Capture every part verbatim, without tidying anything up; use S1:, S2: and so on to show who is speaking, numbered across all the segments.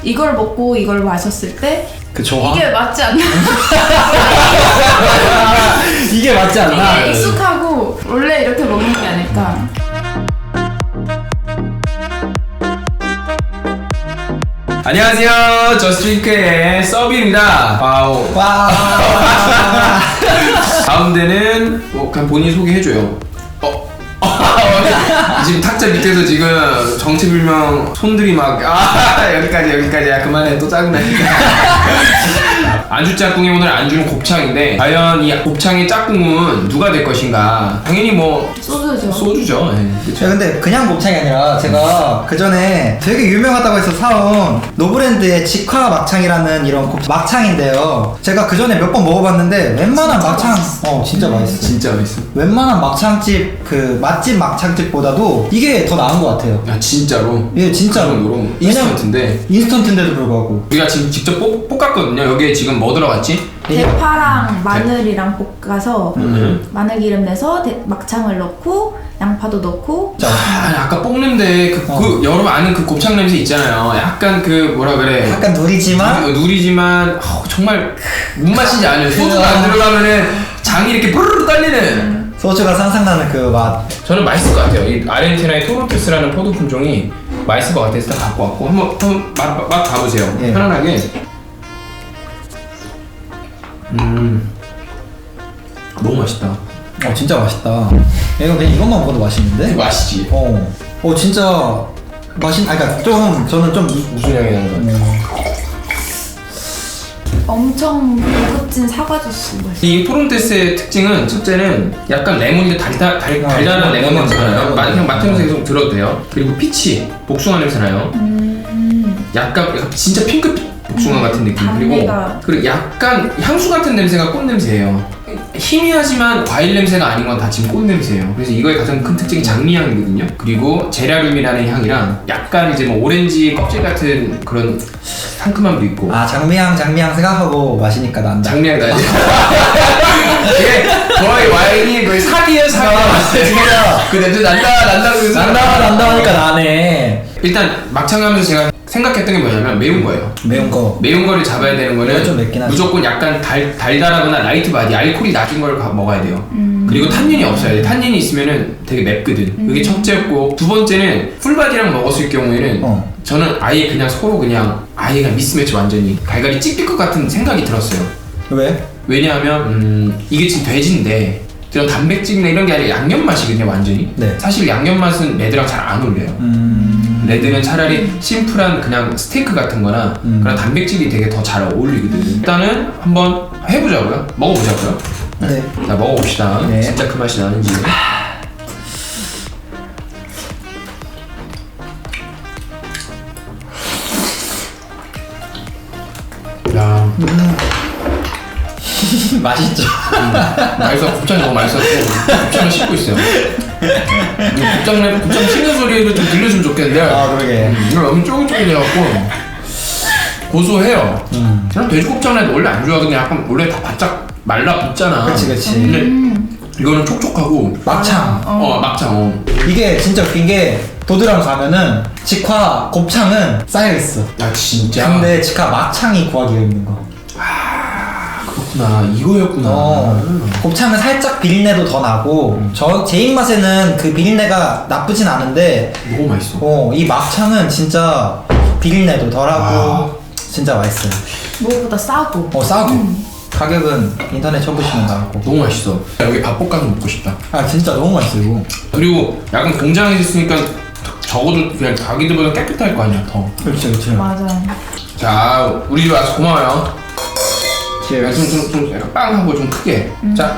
S1: 이걸 먹고 이걸 마셨을 때
S2: 그 조화?
S1: 이게 맞지 않나?
S2: 이게 맞지 않나?
S1: 이게 익숙하고 원래 이렇게 먹는 게 아닐까.
S3: 안녕하세요. 저스트링크의 서비입니다. 와우.
S2: 와.
S3: 가운데는 뭐 그냥 본인 소개해줘요. 어. 지금 탁자 밑에서 지금 정체불명 손들이 막 아 여기까지 여기까지야 그만해 또 짜증나니까. 안주 짝꿍이 오늘 안주는 곱창인데 과연 이 곱창의 짝꿍은 누가 될 것인가? 당연히 뭐
S1: 소주죠.
S3: 소주죠. 네,
S2: 제가 근데 그냥 곱창이 아니라 제가 그 전에 되게 유명하다고 해서 사온 노브랜드의 직화 막창이라는 이런 곱 막창인데요. 제가 그 전에 몇 번 먹어봤는데 웬만한
S1: 진짜
S2: 막창
S1: 맛있어.
S2: 어 진짜 맛있어.
S3: 진짜 맛있어.
S2: 웬만한 막창집 그 맛집 막창집보다도 이게 더 나은 것 같아요.
S3: 야 진짜로.
S2: 예 진짜로.
S3: 그 정도로 인스턴트인데.
S2: 인스턴트인데도 불구하고.
S3: 우리가 지금 직접 볶, 볶았거든요. 여기에 지금 뭐 들어갔지?
S1: 대파랑 마늘이랑 볶아서
S3: 음.
S1: 마늘기름 내서 대, 막창을 넣고 양파도 넣고.
S3: 아, 아까 볶는데 그,
S2: 어.
S3: 그 여러분 아는 그 곱창 냄새 있잖아요. 약간 그 뭐라 그래?
S2: 약간 누리지만
S3: 누, 누리지만 어, 정말 무슨 맛인지 알아요. 소주가 안 들어가면은 장이 이렇게 부르르 떨리는.
S2: 소주가 상상나는 그 맛.
S3: 저는 맛있을 것 같아요. 이 아르헨티나의 토론토스라는 포도 품종이 맛있을 것 같아서 다 갖고 왔고 한번 한번 맛, 맛, 맛 봐보세요.
S2: 예.
S3: 편안하게. 음, 너무 맛있다.
S2: 어 진짜 맛있다. 이거 그냥 이것만 먹어도 맛있는데?
S3: 맛이지.
S2: 어. 어 진짜 맛있. 아 그러니까 좀 저는 좀
S3: 무슨 향이 나는 거야?
S2: 음,
S1: 엄청 고급진 사과 주스 맛있어.
S3: 이 토론테스의 특징은 첫째는 약간 레몬인데 달달, 달,
S2: 아,
S3: 달달한
S2: 레몬,
S3: 레몬 냄새가 나요.
S2: 레몬.
S3: 마- 그냥 맡으면서 계속 들어도 돼요. 그리고 피치, 복숭아 냄새 나요.
S1: 음.
S3: 약간, 약간 진짜 핑크 복숭아
S1: 음,
S3: 같은 느낌. 그리고
S1: 단내가.
S3: 그리고 약간 향수 같은 냄새가 꽃 냄새예요. 희미하지만 과일 냄새가 아닌 건 다 지금 꽃 냄새예요. 그래서 이거의 가장 큰 특징이 장미향이거든요. 그리고 제라륨이라는 향이랑 약간 이제 뭐 오렌지 껍질 같은 그런 상큼함도 있고.
S2: 아 장미향 장미향 생각하고 마시니까 난다.
S3: 장미향 나지. 이게 거의 와인이 거의 사기예요 사기.
S2: 진짜.
S3: 그 냄새 난다 난다 그
S2: 난다 난다 하니까 나네.
S3: 일단 막창 하면서 제가 생각했던 게 뭐냐면 매운 거예요.
S2: 매운 거.
S3: 매운 거를 잡아야 되는
S2: 이거
S3: 거는
S2: 좀 맵긴 하지.
S3: 무조건 약간 달, 달달하거나 라이트 바디 알코올이 낮은 걸 가- 먹어야 돼요.
S1: 음.
S3: 그리고 탄닌이 없어야 돼. 탄닌이 있으면은 되게 맵거든. 그게 첫째였고 두 번째는 풀바디랑 먹었을 경우에는
S2: 어.
S3: 저는 아예 그냥 서로 그냥 아예 그냥 미스매치 완전히 갈갈이 찢길 것 같은 생각이 들었어요.
S2: 왜?
S3: 왜냐하면 음, 이게 지금 돼지인데 그런 단백질이나 이런 게 아니라 양념 맛이거든요 완전히.
S2: 네.
S3: 사실 양념 맛은 레드랑 잘 안 어울려요.
S2: 음.
S3: 레드는 차라리 심플한 그냥 스테이크 같은 거나
S2: 음.
S3: 그런 단백질이 되게 더 잘 어울리거든요. 일단은 한번 해보자고요. 먹어보자고요.
S2: 네.
S3: 자 먹어봅시다.
S2: 네.
S3: 진짜 그 맛이 나는지. 야,
S2: 맛있죠.
S3: 맛있어. 곱창이 너무 맛있었고 곱창을 씹고 있어요. 곱창 곱창 씹는 소리를 좀 들려주면 좋겠는데
S2: 아 그러게.
S3: 이거 너무 쫄깃쫄깃해갖고 고소해요.
S2: 음.
S3: 그냥 돼지곱창은 원래 안 좋아하거든요. 약간 원래 다 바짝 말라붙잖아.
S2: 그치 그치.
S3: 근데
S1: 음.
S3: 이거는 촉촉하고
S2: 막창.
S3: 어, 막창 어.
S2: 이게 진짜 웃긴 게 도드람 가면은 직화 곱창은 쌓여 있어.
S3: 야 진짜.
S2: 근데 직화 막창이 구하기 힘든 거.
S3: 그렇구나. 이거였구나.
S2: 어, 곱창은 살짝 비린내도 더 나고 저 제 입맛에는 그 비린내가 나쁘진 않은데
S3: 너무 맛있어.
S2: 어, 이 막창은 진짜 비린내도 덜하고
S3: 아.
S2: 진짜 맛있어요.
S1: 무엇보다 싸고.
S2: 어 싸고 가격은 인터넷 쳐보시면 나오고.
S3: 너무 맛있어. 여기 밥 볶아서 먹고 싶다.
S2: 아 진짜 너무 맛있어 이거.
S3: 그리고 약간 공장에 있으니까 적어도 그냥 자기들보다 깨끗할 거 아니야 더.
S2: 그렇지 그렇지.
S1: 맞아.
S3: 자 우리 집 와서 고마워요.
S2: cheers.
S3: 좀좀 좀 약간 빵 하고 좀 크게. 자.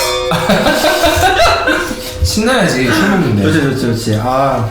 S3: 신나야지 술 먹는데.
S2: 그렇지 그렇지 그렇지. 아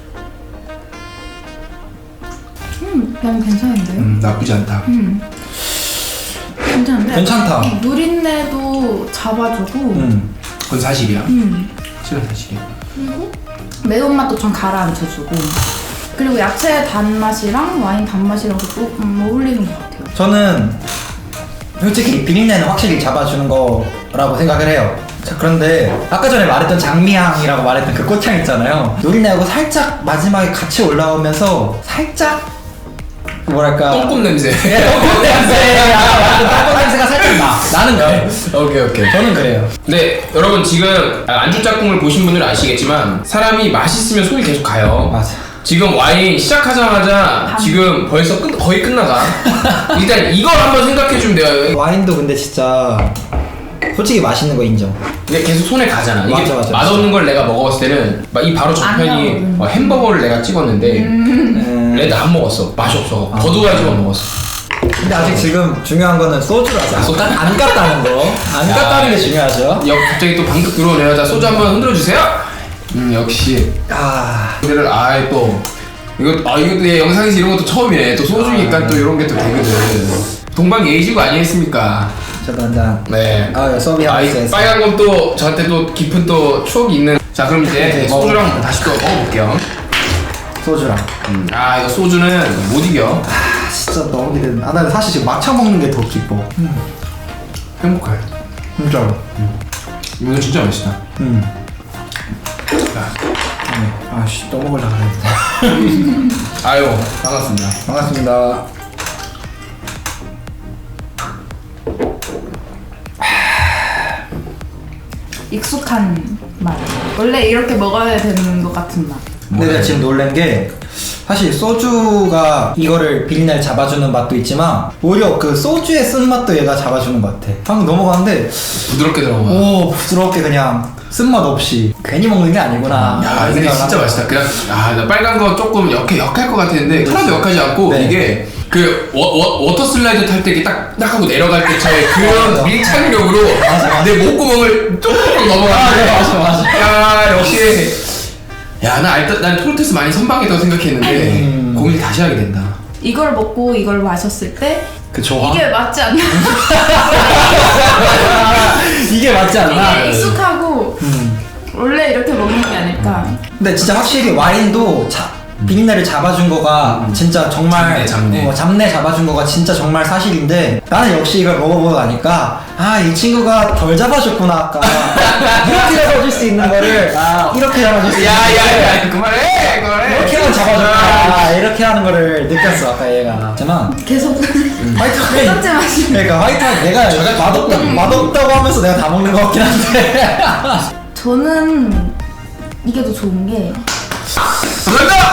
S1: 음, 난 괜찮은데.
S3: 음 나쁘지 않다.
S1: 음. 괜찮은데.
S2: 괜찮다.
S1: 이 누린내도 잡아주고.
S2: 음.
S3: 그건 사실이야.
S1: 음.
S3: 실은 사실이야.
S1: 그리고 매운맛도 좀 가라앉혀주고. 그리고 야채 단맛이랑 와인 단맛이랑 또 음, 어울리는 것 같아요.
S2: 저는 솔직히 비린내는 확실히 잡아주는 거라고 생각을 해요. 자, 그런데 아까 전에 말했던 장미향이라고 말했던 그 꽃향 있잖아요. 노린내하고 살짝 마지막에 같이 올라오면서 살짝 뭐랄까
S3: 똥꿈 냄새.
S2: 똥꼬 냄새 아, 똥꼬 냄새가 살짝 나. 나는 그래.
S3: 오케이 오케이.
S2: 저는 그래요.
S3: 네, 여러분 지금 안주 짝꿍을 보신 분들은 아시겠지만 사람이 맛있으면 손이 계속 가요.
S2: 맞아.
S3: 지금 와인 시작하자마자 지금 벌써 끝, 거의 끝나가. 일단 이걸 한번 생각해주면 돼요.
S2: 와인도 근데 진짜 솔직히 맛있는 거 인정.
S3: 근데 계속 손에 가잖아. 이게
S2: 맞아, 맞아,
S3: 맛없는 걸 내가 먹어봤을 때는 막 이 바로
S1: 안
S3: 저편이
S1: 나오거든.
S3: 어, 햄버거를 내가 찍었는데
S2: 음.
S3: 레드 안 먹었어. 맛이 없어.
S2: 아.
S3: 거두가지고 먹었어.
S2: 근데 아직 지금 중요한 거는 소주라서
S3: 아, 소주?
S2: 안 깠다는 거. 안
S3: 야.
S2: 깠다는 게 중요하죠.
S3: 여, 갑자기 또 방금 들어오는 여자 소주 한번 흔들어 주세요. 음 역시.
S2: 아,
S3: 근데를 아예 또 이거 아 이것도 얘 영상에서 이런 것도 처음이네. 또 소주니까
S2: 아,
S3: 또 이런 게 또 되거든. 동방 예의지구 아니겠습니까?
S2: 저도 한잔.
S3: 네.
S2: 아, 서비
S3: 아, 이
S2: 하우스에서.
S3: 빨간 건 또 저한테 또 깊은 또 추억이 있는. 자 그럼 이제
S2: 네,
S3: 소주랑 다시 또 먹어볼게요.
S2: 소주랑.
S3: 음. 아 이거 소주는 못 이겨.
S2: 아, 진짜 너무 기대된다. 아, 나 사실 지금 막차 먹는 게 더 기뻐. 음,
S3: 행복해.
S2: 진짜로.
S3: 이거 진짜 맛있다.
S2: 음.
S3: 자,
S2: 네. 아씨, 또 먹으려고 그랬는데.
S3: 아유 반갑습니다.
S2: 반갑습니다.
S1: 익숙한 맛. 원래 이렇게 먹어야 되는 것 같은 맛.
S2: 근데 내가 지금 놀란 게 사실 소주가 이거를 비린내를 잡아주는 맛도 있지만 오히려 그 소주의 쓴맛도 얘가 잡아주는 것 같아. 방금 넘어가는데
S3: 부드럽게 들어가.
S2: 오 부드럽게 그냥 쓴맛 없이 괜히 먹는 게 아니구나.
S3: 야
S2: 이런
S3: 근데
S2: 생각을
S3: 진짜
S2: 하고.
S3: 맛있다. 그냥 아나 빨간 거 조금 역해 역할 것 같았는데 하나도 역하지 않고
S2: 네.
S3: 이게 그 워, 워, 워터 슬라이드 탈 때 이렇게 딱, 딱 하고 내려갈 때처럼 그런
S2: 맞아.
S3: 밀착력으로
S2: 맞아, 맞아.
S3: 내 목구멍을 쭉 넘어가는데
S2: 아, 네, 맞아, 맞아.
S3: 야 역시 야나 일단 난 토르테스 많이 선방했다고 생각했는데
S2: 음.
S3: 고민을 다시 하게 된다.
S1: 이걸 먹고 이걸 마셨을 때
S2: 그 조화?
S1: 이게 맞지 않나?
S2: 이게 맞지 않나?
S1: 이게 익숙하고
S2: 음.
S1: 원래 이렇게 먹는 게 아닐까.
S2: 근데 진짜 확실히 와인도 자, 비린내를 잡아준 거가 진짜 정말
S3: 잡내, 잡내.
S2: 어, 잡내 잡아준 거가 진짜 정말 사실인데 나는 역시 이걸 먹어보고 나니까 아 이 친구가 덜 잡아줬구나 아까 이렇게 잡아줄 수 있는 거를 아, 이렇게 잡아줄 수 있는 거를
S3: 야야야 그만해 그만해.
S2: 이렇게만 잡아줬구나 이렇게 하는 거를 느꼈어 아까 얘가. 하지만
S1: 계속
S2: 화이트 와인
S1: 똑같이 마시는.
S2: 그러니까 화이트 와인 내가
S3: 저가
S2: 맛없다,
S3: 조금-
S2: 맛없다고 하면서 내가 다 먹는 것 같긴 한데
S1: 저는 이게 더 좋은 게
S3: 간다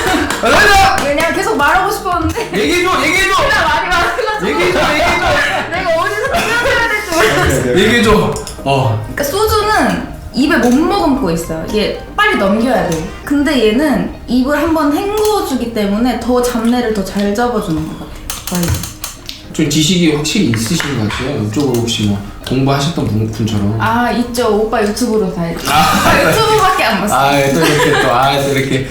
S3: 간다
S1: 그냥 계속 말하고 싶었는데
S3: 얘기해줘 얘기해줘
S1: 그냥 말이 많아가지고
S3: 얘기해줘 얘기해줘
S1: 내가 어디서 끊어야 될지 몰랐어.
S3: 얘기해줘. 어.
S1: 그러니까 소주는 입에 못 머금고 있어요. 이게 빨리 넘겨야 돼. 근데 얘는 입을 한번 헹구어주기 때문에 더 잡내를 더 잘 잡아주는 것 같아요. 와인.
S3: 좀 지식이 확실히 있으신 것 같아요. 이쪽으로 혹시 뭐 공부하셨던 분, 분처럼.
S1: 아 있죠. 오빠 유튜브로 다 알죠.
S3: 아.
S1: 유튜브밖에 안 봤어.
S3: 아, 또 이렇게 또, 아, 또 이렇게.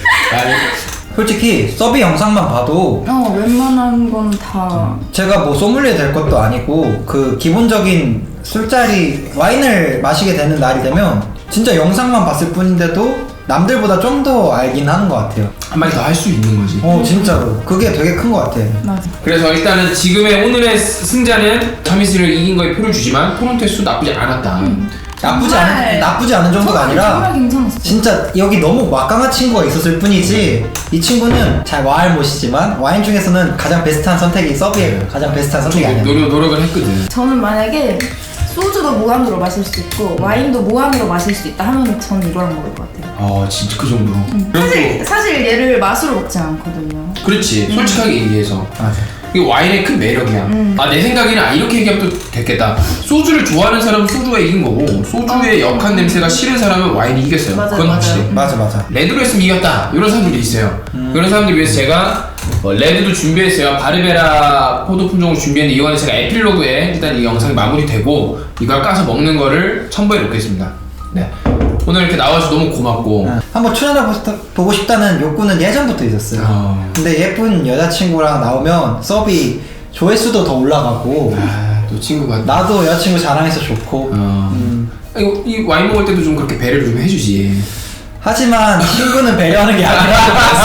S3: 아,
S2: 솔직히 서비 영상만 봐도
S1: 어 웬만한 건 다.
S2: 제가 뭐 소믈리에 될 것도 아니고 그 기본적인 술자리 와인을 마시게 되는 날이 되면 진짜 영상만 봤을 뿐인데도 남들보다 좀 더 알긴 하는 것 같아요.
S3: 한마디 더 할 수 있는 거지.
S2: 어 진짜로 그게 되게 큰 것 같아.
S1: 맞아.
S3: 그래서 일단은 지금의 오늘의 승자는 타미스를 이긴 거에 표를 주지만 토론테스 나쁘지 않았다.
S2: 나쁘지
S1: 정말-
S2: 않은 나쁘지 않은 정도가
S1: 정말-
S2: 아니라
S1: 정말 괜찮았어.
S2: 진짜 여기 너무 막강한 친구가 있었을 뿐이지 이 친구는 잘 와인 못이지만 와인 중에서는 가장 베스트한 선택이 서비예요. 가장 베스트한 선택이 아니야.
S3: 노력, 노력을 했거든.
S1: 저는 만약에 소주도 무한으로 마실 수 있고 와인도 무한으로 마실 수 있다 하면 저는 이거랑 먹을 것 같아요.
S3: 어, 진짜 그 정도로. 그리고
S1: 사실 사실 얘를 맛으로 먹지 않거든요.
S3: 또, 그렇지. 솔직하게 얘기해서.
S2: 맞아.
S3: 이게 와인의 큰 매력이야.
S1: 음.
S3: 아, 내 생각에는 아, 이렇게 얘기하면 또 됐겠다. 소주를 좋아하는 사람은 소주가 이긴 거고, 소주의
S1: 어.
S3: 역한 냄새가 싫은 사람은 와인이 이겼어요.
S1: 맞아요,
S3: 그건
S1: 맞아요.
S3: 확실해.
S2: 맞아 맞아.
S3: 레드로 했으면 이겼다. 이런 사람들이 있어요. 그런 사람들 위해서 제가 어, 레드도 준비했어요. 바르베라 포도 품종을 준비했는데 이거는 제가 에필로그에 일단 이 영상이 마무리되고 이걸 까서 먹는 거를 첨부해 놓겠습니다. 네. 오늘 이렇게 나와줘서 너무 고맙고.
S2: 아, 한번 출연해 보고 싶다는 욕구는 예전부터 있었어요.
S3: 어.
S2: 근데 예쁜 여자친구랑 나오면 서비 조회수도 더 올라가고
S3: 아, 또 친구가.
S2: 나도 여자친구 자랑해서 좋고
S3: 어.
S2: 음.
S3: 이거 이 와인 먹을 때도 좀 그렇게 배려를 좀 해주지.
S2: 하지만 친구는 배려하는 게 아니라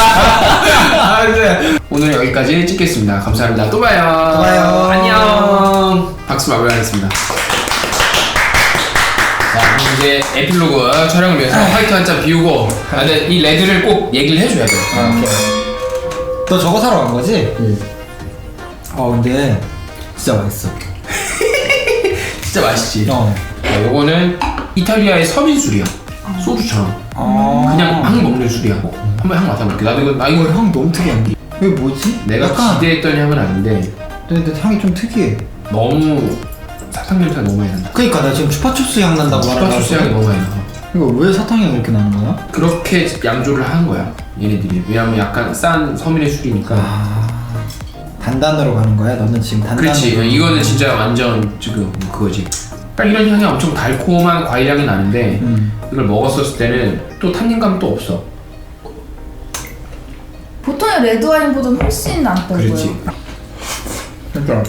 S3: 아, 네. 오늘 여기까지 찍겠습니다. 감사합니다. 또 봐요.
S2: 또 봐요.
S3: 안녕. 박수 마무리하겠습니다. 자, 그럼 이제 에필로그 촬영을 위해서 화이트 한 잔 비우고, 아, 근데 이 레드를 꼭 얘기를 해줘야 돼.
S2: 아, 오케이. 너 저거 사러 간 거지?
S3: 응.
S2: 아 근데 진짜 맛있어.
S3: 진짜 맛있지.
S2: 어.
S3: 자, 요거는 이탈리아의 서민술이야. 소주처럼.
S2: 아.
S3: 그냥 막 먹는 술이야. 한번 향 맡아볼게. 나도 이거 나 이거
S2: 이거 향 너무 특이한데. 이게 뭐지?
S3: 내가
S2: 약간
S3: 기대했던 향은 아닌데
S2: 근데 향이 좀 특이해.
S3: 너무 사탕 냄새가 너무 많이 난다.
S2: 그니까 나 지금 추파춥스 향 난다고
S3: 추파추스 향이 너무 많이 나.
S2: 이거 왜 사탕 향이 이렇게 나는 거야?
S3: 그렇게 양조를 한 거야 얘네들이. 왜냐면 약간 싼 서민의 술이니까.
S2: 아 단단으로 가는 거야? 너는 지금 단단으로.
S3: 그렇지. 이거는 진짜 완전 지금 그거지. 딱 이런 향이 엄청 달콤한 과일 향이 나는데
S2: 음.
S3: 이걸 먹었었을 때는 또 탄닌감 또 없어.
S1: 보통의 레드 와인보다는 훨씬 낫다고요.
S3: 그렇지.
S2: 진짜.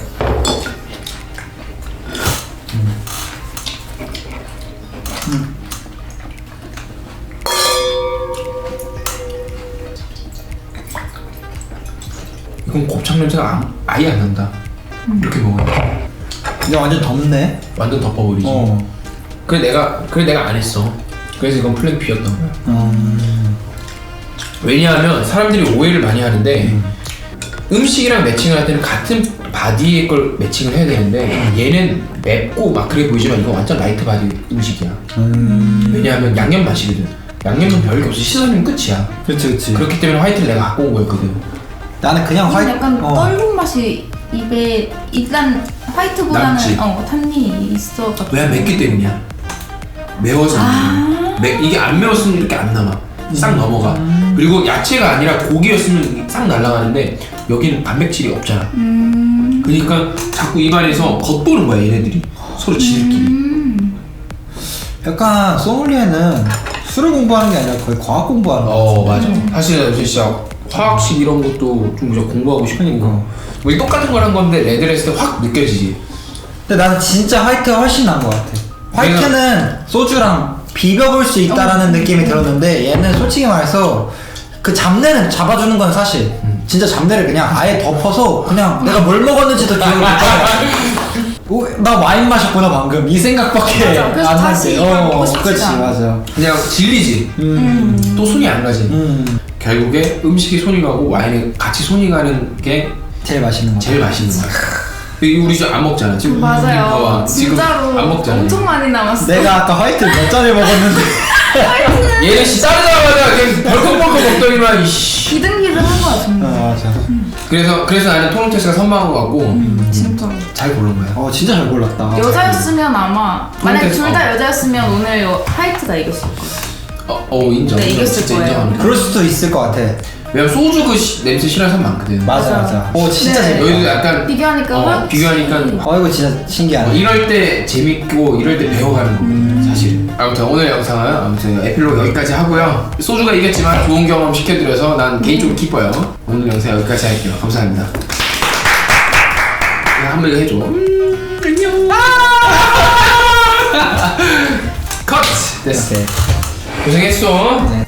S3: 이건 곱창 냄새가 아, 아예 안 난다. 이렇게 먹으면
S2: 이제 완전 덥네.
S3: 완전 덮어버리지.
S2: 어.
S3: 그래 내가 그래 내가 안 했어. 그래서 이건 플랜 B였던 거야.
S2: 음.
S3: 왜냐하면 사람들이 오해를 많이 하는데 음. 음식이랑 매칭을 할 때는 같은 바디의 걸 매칭을 해야 되는데 얘는 맵고 막 그래 보이지만 이거 완전 라이트 바디 음식이야.
S2: 음.
S3: 왜냐하면 양념 맛이거든. 양념은 별게 없어. 씻어주면 끝이야.
S2: 그렇지 그렇지.
S3: 그렇기 때문에 화이트를 내가 갖고 온 거였거든.
S2: 나는 그냥
S1: 이건
S2: 화이트.
S1: 약간
S2: 어.
S1: 떫은 맛이 입에 일단 화이트보다는
S3: 남지.
S1: 어 탄닌이 있어가지고.
S3: 왜 맵기 때문이야. 매워서.
S1: 아.
S3: 매, 이게 안 매웠으면 이렇게 안 남아. 싹 넘어가. 그리고 야채가 아니라 고기였으면 싹 날아가는데 여기는 단백질이 없잖아.
S1: 음.
S3: 그러니까 자꾸 입안에서 겉도는 거야 얘네들이. 서로 지들끼리.
S1: 음.
S2: 약간 소믈리에는 술을 공부하는 게 아니라 거의 과학 공부하는 거.
S3: 어 맞아. 사실은 진짜 화학식 이런 것도 좀 이제 공부하고 싶으니까. 뭐 똑같은 걸 한 건데 레드를 했을 때 확 느껴지지.
S2: 근데 나는 진짜 화이트가 훨씬 나은 것 같아. 화이트는 소주랑 비벼볼 수 있다라는 느낌이 들었는데 얘는 솔직히 말해서 그 잡내는 잡아주는 건 사실
S3: 음.
S2: 진짜 잡내를 그냥 아예 덮어서 그냥 내가 뭘 먹었는지도 기억을 못해. 오, 나 와인 마셨구나 방금 이 생각밖에
S1: 맞아. 그래서
S2: 안
S1: 다시
S2: 나지.
S1: 이걸 먹고 싶지가
S2: 그렇지
S1: 않아.
S2: 맞아.
S3: 그냥 질리지.
S2: 음.
S3: 또 손이 안 가지.
S2: 음.
S3: 결국에 음식이 손이 가고 와인에 같이 손이 가는 게
S2: 제일 맛있는 거.
S3: 제일 맛있는 거야. 이거 우리 지금 안 먹잖아. 지금
S1: 맞아요.
S3: 봐봐. 지금
S1: 진짜로
S3: 안 먹잖아.
S1: 엄청 많이 남았어.
S2: 내가 아까 화이트 몇 잔을 먹었는데.
S3: 얘는 씨 자르자마자 그냥 벌컥벌컥 먹더니만 이씨.
S1: 기등기등한 거야 정말.
S2: 아 맞아.
S3: 그래서 그래서 나는 토론테스가 선망한 것 같고
S1: 음, 진짜.
S3: 잘 고른 거야.
S2: 어 진짜 잘 골랐다.
S1: 여자였으면 아마 만약
S3: 토론테스,
S1: 둘 다
S3: 어.
S1: 여자였으면 오늘 요 화이트가 이겼을 거야.
S3: 어, 어 인정.
S1: 네,
S3: 인정.
S1: 이겼을
S3: 진짜
S1: 거예요.
S3: 인정합니다.
S2: 그럴 수도 있을 것 같아.
S3: 왜냐면 소주 그 시, 냄새 싫어하는 사람 많거든.
S2: 맞아
S1: 맞아.
S2: 맞아. 오 진짜
S1: 네.
S2: 재밌다.
S3: 여기도 약간
S1: 비교하니까
S3: 어,
S1: 화이트.
S3: 비교하니까
S2: 어 이거 진짜 신기하네.
S3: 어, 이럴 때 재밌고 이럴 때 배워가는 거거든 사실. 아무튼 오늘 영상은 아무튼 에필로그 여기까지 하고요. 소주가 이겼지만 좋은 경험 시켜드려서 난 개인적으로 기뻐요. 오늘 영상 여기까지 할게요. 감사합니다. 그냥 한번 이거 해줘. 음, 안녕. 컷. 됐어.
S2: 오케이.
S3: 고생했어.
S2: 네.